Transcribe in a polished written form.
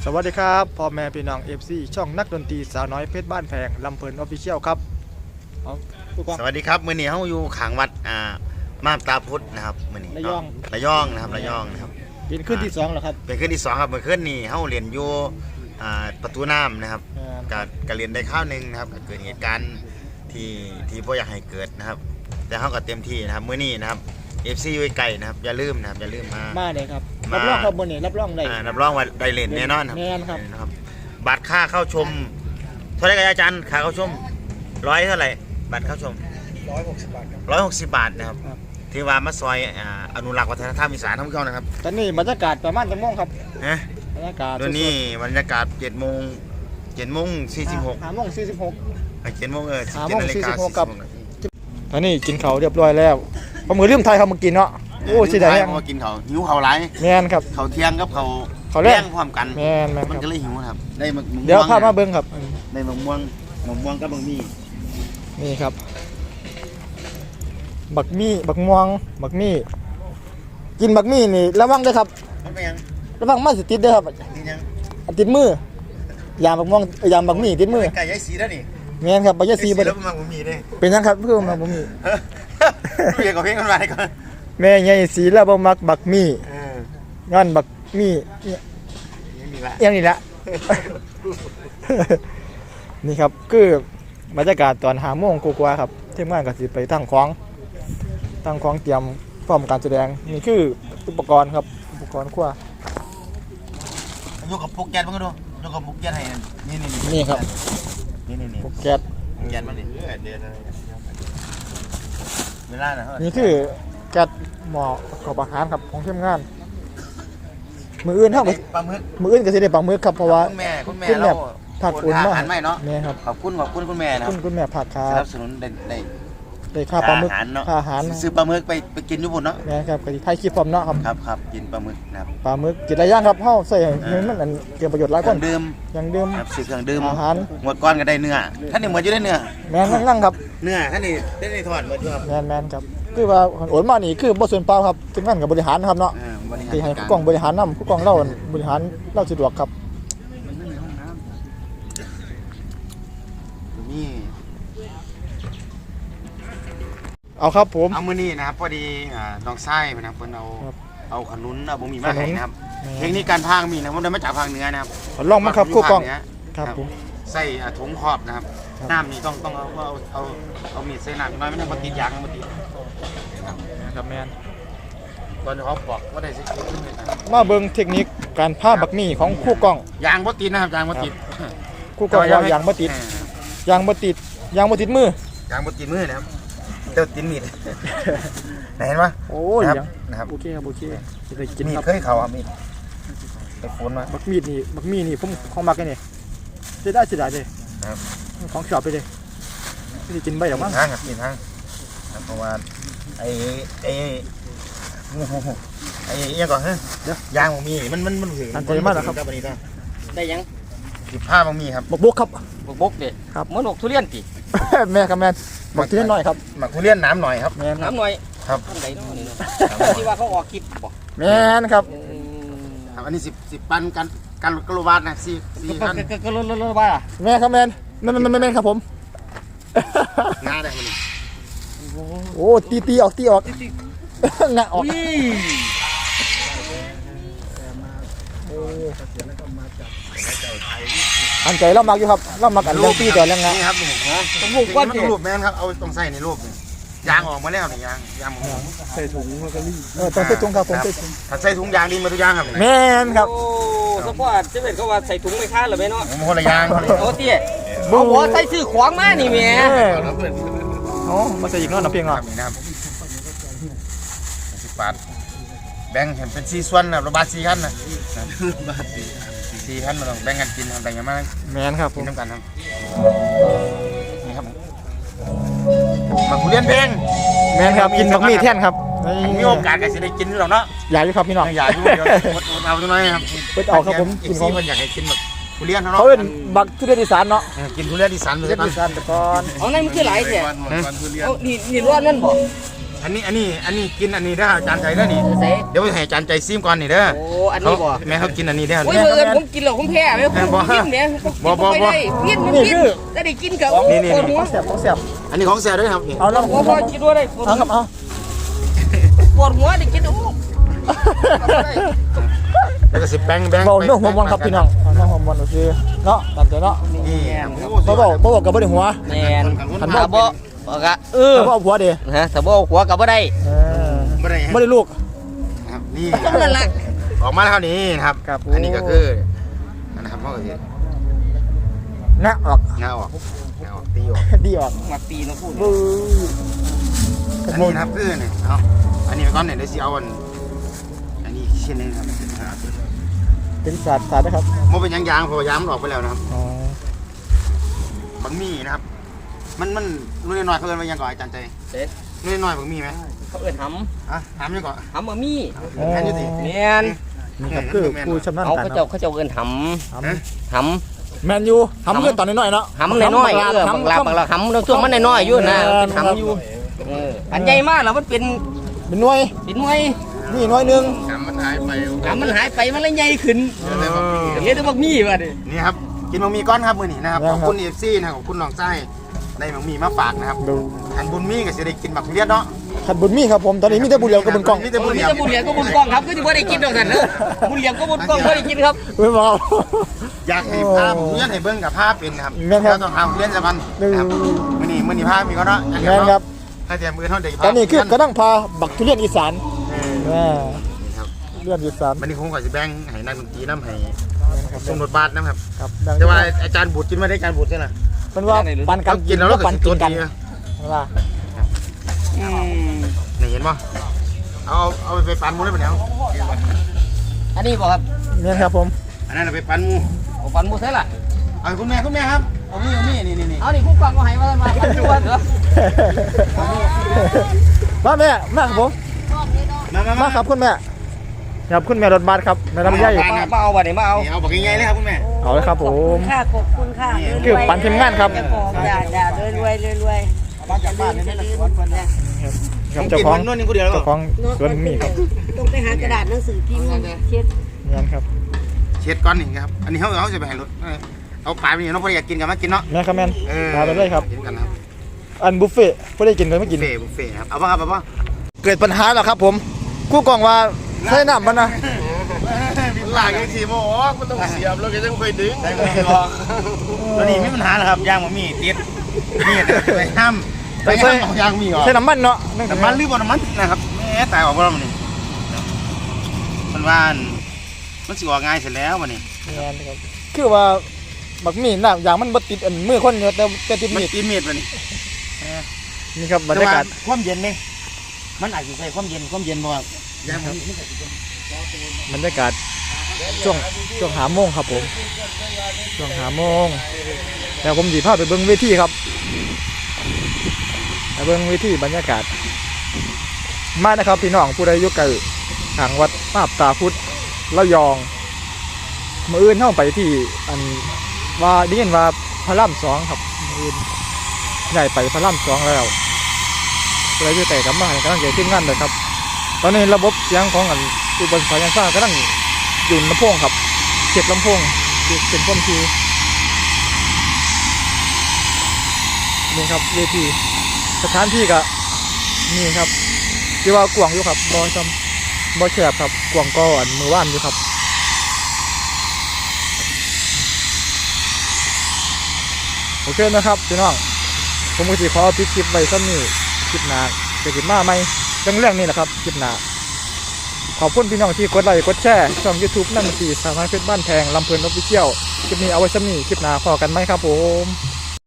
สวัสดีครับพ่อแม่พี่น้อง FC ช่องนักดนตรีสาวน้อยเพชรบ้านแพงลำเพลินออฟฟิเชียลครับสวัสดีครับมื้อนี้เฮาอยู่ขางวัดมาบตาพุทธนะครับมื้อนี้ระยองนะครับเป็นขึ้นที่2แล้วครับเป็นขึ้นที่2ครับเมื่อคืนนี้เฮาเรียนอยู่ประตูน้ำนะครับก็เรียนได้ข้าวนึงนะครับเกิดเหตุการณ์ที่บ่อยากให้เกิดนะครับแต่เฮาก็เต็มที่นะครับมื้อนี้นะครับ FC อยู่ไกลนะครับอย่าลืมมาเลยครับรับรองครับมื้อนี้รับรองได้รับรองว่าได้เล่นแน่นอนครับแน่นครับบัตรค่าเข้าชมเท่าไหร่ครับอาจารย์ค่าเข้าชม100เท่าไหร่บัตรเข้าชม160 บาทครับ160 บาทนะครับที่ว่ามาซอยอนุรักษ์วัฒนธรรมอีสานท่องเที่ยวนะครับตอนนี้บรรยากาศประมาณจังโมงครับบรรยากาศตอนนี้บรรยากาศ7:46 5:46 7:00 นครับตอนนี้กินข้าวเรียบร้อยแล้วพอมือลืมไทยเขามากินเนาะโอ้สิได้ยังมากินข้าวหิวข้าวหลายแม่นครับข้าวเที่ยงกับข้าวแรงพร้อมกันแม่นมันก็เลยหิวครับได้มะม่วงเดี๋ยวพามาเบิ่งครับได้มะม่วงกับบะหมี่นี่ครับบักม่วงกินบักมี่นี่ระวังด้วยครับระวังมันสิติดเด้อครับติดมือยางบักม่วงยางบักมี่ติดมือไก่ยายสีแล้วนี่แม่นครับบ่ยายสีบ่ได้เป็นยังครับเพิ่มมาบ่มีเรียกกับเพลงกันมาก่อนแม่ยายสีแล้วบ่มักบักมี่ย้อนบักมี่อย่างนี้ละนี่ครับคือบรรยากาศตอน5 โมงกว่าครับทีมงานก็สิไปตั้งของเตรียมพร้อมการแสดงนี่คืออุปกรณ์ครับอุปกรณ์ครัวยกกับปุกแก๊สมันก็ดูยกกับปุกแก๊สให้นี่ครับนี่ปุกแก๊สมันนี่เวลานะนี่คือแก๊สหม้อขอบอาหารครับของทีมงานมืออื่นเท่ากับมืออื่นก็สิได้ปลาหมึกครับเพราะว่าคุณแม่เราผักอุ่นมากแม่ครับขอบคุณคุณแม่นะคุณแม่ผักครับสนับสนุนได้ค่าปลาหมึกค่าอาหารซื้อปลาหมึกไปกินอยู่บนเนาะแม่ครับก็ไทยคลิปพร้อมเนาะครับกินปลาหมึกนะครับปลาหมึกกินได้ย่างครับเฮาใส่ให้มันเกี่ยวประโยชน์หลายคนอย่างดื่มซื้อเครื่องดื่มอาหารหมดก้อนก็ได้เนื้อท่านนี่หมดอยู่ได้เนื้อแม่นั่งครับเนื้อท่านนี่ได้ถอดหมดอยู่ครับแม่นครับคือว่าโอนมานี่คือบ่ส่วนเปล่าครับถึงงั้นกับบริหารนะครับเนาะที่ให้ผู้กองบริหารนำผู้กองเราบริหารเราสะดวกครับนี่เอาครับผมเอามื้อนี้นะครับพอดีน้องไส้นะครับเพิ่นเอาขนุนเอาบ่มีมาให้นะครับเทคนิคการพางมีนะผมได้มาจากภาคเหนือนะครับลองมาครับผู้กองครับผมใส่ถุงครอบนะครับน้ำนี่ต้องเอามีดใส่น้ำน้อยไม่ต้องมาติดยางมาติดครับแม่นตอนเขาบอกว่าได้สิมาเบิ่งเทคนิคการพาบักมี่ของผู้กองยางบ่ติดนะครับยางบ่ติดผู้กองว่ายางบ่ติดมือยางบ่ติดมือนะครับเจ้าติดมีดเห็นปะโอ้ยนะครับโอเคจะได้กินครับเคยเขามีดไปฝนมาบักมี่นี่ผมของมักนี่จะได้เลยครับของชอบไปเลยไม่ได้กินใบหรอกมั้งกินทั้งเพราะว่าไอ้ยังก่อนเดี๋ยวยางมันมีมันถึงอันตรายมากครับได้ยัง15มันมีครับบกครับบกเด็ดครับเหมือนทุเรียนปีแม่ครับแม่บักทุเรียนหน่อยครับบักทุเรียนน้ำหน่อยครับน้ำหน่อยครับที่ว่าเขาออกคลิปบอกแม่ครับอันนี้10 ปันกันกิโลวัตต์นะ4พันกิโลวัตต์แม่ครับแม่ครับผมงาได้มันโอ้ตีออกงาออกอันใจเรามักอยู่ครับเรามักอันเรื่องตีแต่เรื่องงานี่ครับต้องรูปแม่ครับเอาต้องใส่ในรูปยางออกมาแล้วนี่ยางหมูใส่ถุงแล้วก็รีต้องใส่ถุงครับผมใส่ถุงถ้าใส่ถุงยางดีมาทุกอย่างครับแม่นครับโอ้สปอร์ตจะเป็นเขาว่าใส่ถุงไม่ค้าหรือไม่เนาะคนละยางโอ้เตี้ยเอาหัวใส่ซื้อขวางมานี่แม่อ๋อมาใส่อีกเนาะน้ำเพียงอ่ะนะครับ10 บาทแบ่งเห็นเป็น4 ส่วนนะระบาด4 ขั้นนะ4 ขั้นมาต้องแบ่งกันกินแบ่งกันมาแม่นครับกินน้ำกันครับนี่ครับมาคุเรียนเพลงแม่นครับกินบักมี่แท่นครับมีโอกาสก็จะได้กินหรอกเนาะอยากอยู่ครับพี่น้องอยากอยู่เดี๋ยวเอาตัวน้อยครับเอาครับผมกินของมันอยากให้กินแบบทุเรียนเขาเป็นบักทุเรียนอีสานเนาะกินทุเรียนอีสานเลยอีสานแต่ก่อนเอาในมันคือหลายแท้เอานี่ร้อนนั่นบ่อันนี้กินอันนี้ได้อาจารย์ใจเด้อนี่เสเดี๋ยวไปให้อาจารย์ใจซิมก่อนนี่เด้อโอ้อันนี้บ่แม่เขากินอันนี้ได้อโอ้ยเอิญผมกินแล้วผมแพ้ไหมผมกินเนี่ยไม่ได้กินมันกินจะได้กินกับนี่ปวดหัวเสียบเสียบอันนี้ของแซ่ด้วยครับนี่เอาแล้วหัวพอกินด้วยได้ปวดเอาครับเอาหัวได้กินโอ้แล้วก็สิแบงเบาเนื้อหัวมันครับพี่น้องเนื้อหัวมันโอเคเนาะตามใจเนาะนี่บ่บอกกับบ่ได้หัวแมนถ้าบ่บอกอะแต่ว่าเอาหัวเด้ฮะถ้าบ่หัวกับบ่ได้ไม่ได้บ่ได้ลูกครับนี่นั่นแหละออกมาแล้วนี้นะครับครับอันนี้ก็คือนะครับพ่อก็สิงะออกงาออกตีออกดีออกมาตีนะพูดบู๊อันนี้นะครับคือเนี่ยเอาอันนี้ไปก่อนเนี่ยเดี๋ยวสิเอาอันนี้เช่นนี้ครับเป็นศาสตร์นะครับมันเป็นยางเพราะว่ายางมันออกไปแล้วนะครับอ๋อบางมีนะครับ มันนุ่นน้อยเขาเอิ้นว่ายังก่อนอาจารย์ใจเด็ดนุ่นน้อยบางมีไหมเขาเอิ้นหอ่ะถามยังก่อนำบะมี่แม่นอยู่สิแมนนี่ครับคือผู้ชำนาญเขาการเขาเจ้าเอิ้นหำแมนยูทำเพื่อนตอนน้อยๆเนาะหำน้อยๆบางลาหำช่วงมันน้อยๆอยู่นะเป็นหำอยู่อันใหญ่มากแล้วมันเป็นเป็นหน่วยเป็นหน่วยนี่หน่วยหนึงถามมันหายไปหำมันหายไปมันเลยใหญ่ขึ้นเฮ็ดได้บักมี่ว่ะดินี่ครับกินบะหมี่ก้อนครับมื้อนี้นะครับขอบคุณ FC นะครับขอบคุณน้องไส้ได้บะหมี่มาฝากนะครับดูอันบุญมีก็สิได้กินบักทุเรียนเนาะขัดบุญมีครับผมตอนนี้มีแต่บุญเหลียวกับบุญกล้องมีแต่บุญเหลียวบุญเหลียงก็บุญกล้องครับก็ที่บ่ได้กินดอกสันเนอะบุญเหลียงก็บุญกล้องบ่ได้กินครับเว้ยบอกอยากให้ภาพทุเรียนให้เบิ่งกับภาพเป็นนะครับแม่นครับเราต้องเอาทุเรียนสักวันดูครับมื้อนี้ภาพมีก็เนาะอยากแมเห็นนครับถ้าแต่มื้อเฮาได้ตอนนี้คือกระดังพาบักทุเรียนอีสานเออแม่นี่ครับเรียนอีสานวันนี้ผมก็สิแบ่งให้นักดนตรีนำให้ครับส่งรถบัสนะครับครับดังแต่ว่าอาจารย์บุตรกินไม่ได้อาจารย์บุตรใช่ไหมเป็นว่าปันกันกินแล้วเราก็ปันกิกินนกักัน นว่านี่เห็นป่ะเอาไปปั่นหมูได้ปะเนี่ยอันนี้บ่ครับแม่นครับผมอันนั้นเอาไปปั่นหมูผมฟันบ่ใช่ล่ะเอาคุณแม่ครับเอานี่นี่เอานี่ผู้กองก็ให้มาฟันชวนเหรอมาแม่มาครับผมมามาครับคุณแม่ครับคุณแม่รถบัสครับแม่ลำไยมาเอาบ่นี่มาเอาเอาบอกง่ายๆเลยครับคุณแม่เอาเลยครับผมค่ะขอบคุณค่ะคือปั่นทีมงานครับอย่ารวยรวยบ้านจากบ้านนี่ไม่สวนคนเนี่ยครับเจ้าของนู่นนี่กูเดียวแล้วเจ้าของสวนมีครับต้องไปหากระดาษหนังสือพิมพ์เช็ดนี่นครับเช็ดก้อนนี่ครับอันนี้เขาจะไปให้รถเอาปลาไปนี่น้องพออยากกินกันมากินเนาะแม่ครับแม่นพาไปเลยครับกินกันครับอันบุฟเฟ่ต์ผู้ได้กินเลยไม่กินบุฟเฟ่ครับเอาป่ะครับเอาป่ะเกิดปัญหาแล้วครับผมกู้กล่องว่าใช้น้ำมันนะหลังยังสีโมอ๋อมันต้องเสียบแล้วก็ยังค่อยดึงได้ไม่หรอกตัวนี้ไม่มีปัญหาหรอกครับยางมันมีติดนี่ไปห้ามไปห้ามของยางมีหรอใช้น้ำมันเนาะน้ำมันหรือบ่น้ำมันนะครับแม่ตายออกบ่แล้วมันนี่มันว่ามันสิออกง่ายเสร็จแล้วมันนี่นี่นครับคือว่าบักมีน้ำอย่างมันบ่ติดอันมือคนเดียวแต่ติดมันมีดตีมีดมันนี่นี่ครับบรรยากาศความเย็นนี่มันอาจจะใส่ความเย็นบ่ยางมันบรรยากาศช่วงหาโมงครับผมช่วงหาโมงแล้วผมสีพาไปเบิ้งเวทีครับไปเบิ้งเวทีบรรยากาศมานะครับพี่น้องผู้ใดอยู่ไกลทางวัดมาบตาพุทธระยองมื้ออื่นเข้าไปที่อันว่าได้ยินว่าพระราม2ครับมื้ออื่นใหญ่ไปพระราม2แล้วผู้ใดอยู่แต่กับมาให้กำลังใจทีมงานเลยครับ ตอนนี้ระบบเสียงของอันอุปกรณ์สายฟ้ากำลังอยู่ลำโพงครับเช็คลำโพงเป็นพ่มทีนี่ครับเวทีสถานที่ก็นี่ครับที่ว่ากวางอยู่ครับบอแคบครับกวางก็อันมือว่านอยู่ครับโอเคนะครับพี่น้องผมก็จะขอปิดคลิปไว้ซ้ำนี่คลิปหน้าจะคลิปมาไหมเรื่องนี้แหละครับคลิปหน้าขอบคุณพี่น้องที่กดไลค์กดแชร์ช่อง YouTube นั่นสีสามารถเพชรบ้านแพงลำเพลินออฟฟิเชียลคลิปนี้เอาไว้ซ้ำนี่คลิปหน้าพอกันไหมครับผม